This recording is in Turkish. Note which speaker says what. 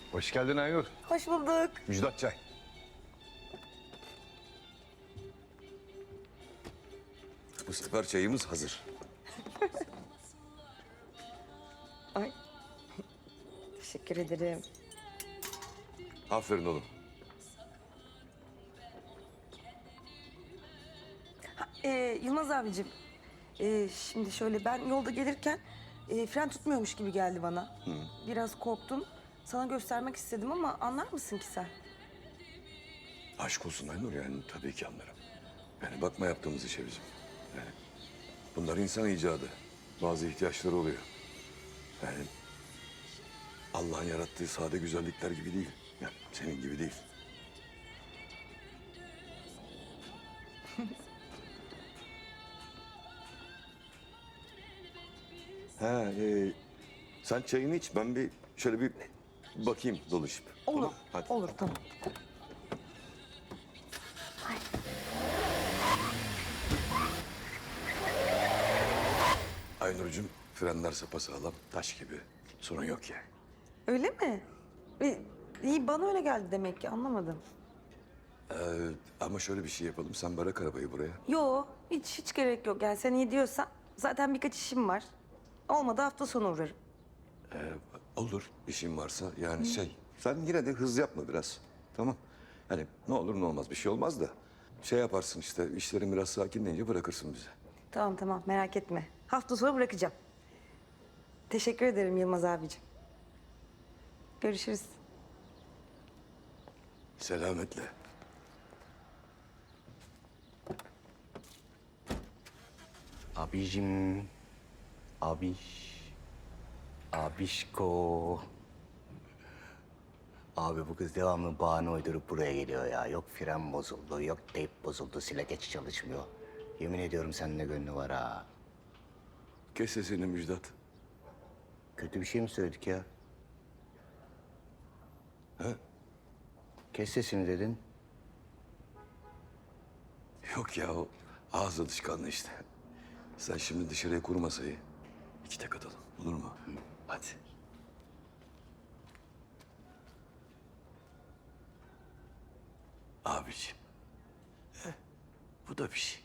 Speaker 1: Hoş geldin Aynur.
Speaker 2: Hoş bulduk.
Speaker 1: Müjdat çay.
Speaker 3: Bu sefer çayımız hazır.
Speaker 2: Ay. Teşekkür ederim.
Speaker 3: Aferin oğlum.
Speaker 2: Yılmaz abicim. Şimdi şöyle ben yolda gelirken fren tutmuyormuş gibi geldi bana. Biraz korktum. Sana göstermek istedim ama anlar mısın ki sen?
Speaker 3: Aşk olsun Aynur, yani tabii ki anlarım. Yani bakma yaptığımız işe bizim. Yani bunlar insan icadı. Bazı ihtiyaçları oluyor. Yani Allah'ın yarattığı sade güzellikler gibi değil. Yani senin gibi değil. Sen çayını iç, ben bir şöyle bir bakayım dolaşıp.
Speaker 2: Olur.
Speaker 3: Tamam, hadi.
Speaker 2: Olur tamam.
Speaker 3: Aynur'cum, frenler sapasağlam, taş gibi. Sorun yok yani.
Speaker 2: Öyle mi? İyi bana öyle geldi demek ki anlamadım.
Speaker 3: Ama şöyle bir şey yapalım, sen bırak arabayı buraya.
Speaker 2: Yo hiç gerek yok. Yani sen iyi diyorsan zaten birkaç işim var. Olmadı hafta sonu uğrarım.
Speaker 3: Olur, işin varsa yani sen yine de hız yapma biraz, tamam? Hani ne olur ne olmaz, bir şey olmaz da. Şey yaparsın işte, işlerin biraz sakinleyince bırakırsın bizi.
Speaker 2: Tamam merak etme. Hafta sonu bırakacağım. Teşekkür ederim Yılmaz abicim. Görüşürüz.
Speaker 3: Selametle.
Speaker 4: Abicim, abişko. Abi bu kız devamlı bahane uydurup buraya geliyor ya. Yok fren bozuldu, yok teyp bozuldu, silegeç çalışmıyor. Yemin ediyorum seninle gönlü var ha.
Speaker 3: Kes sesini Müjdat.
Speaker 4: Kötü bir şey mi söyledik ya?
Speaker 3: He?
Speaker 4: Kes sesini dedin.
Speaker 3: Yok ya, o ağız alışkanlığı işte. Sen şimdi dışarıya kur masayı. İki tek atalım, olur mu? Hadi. Abiciğim. Bu da bir şey.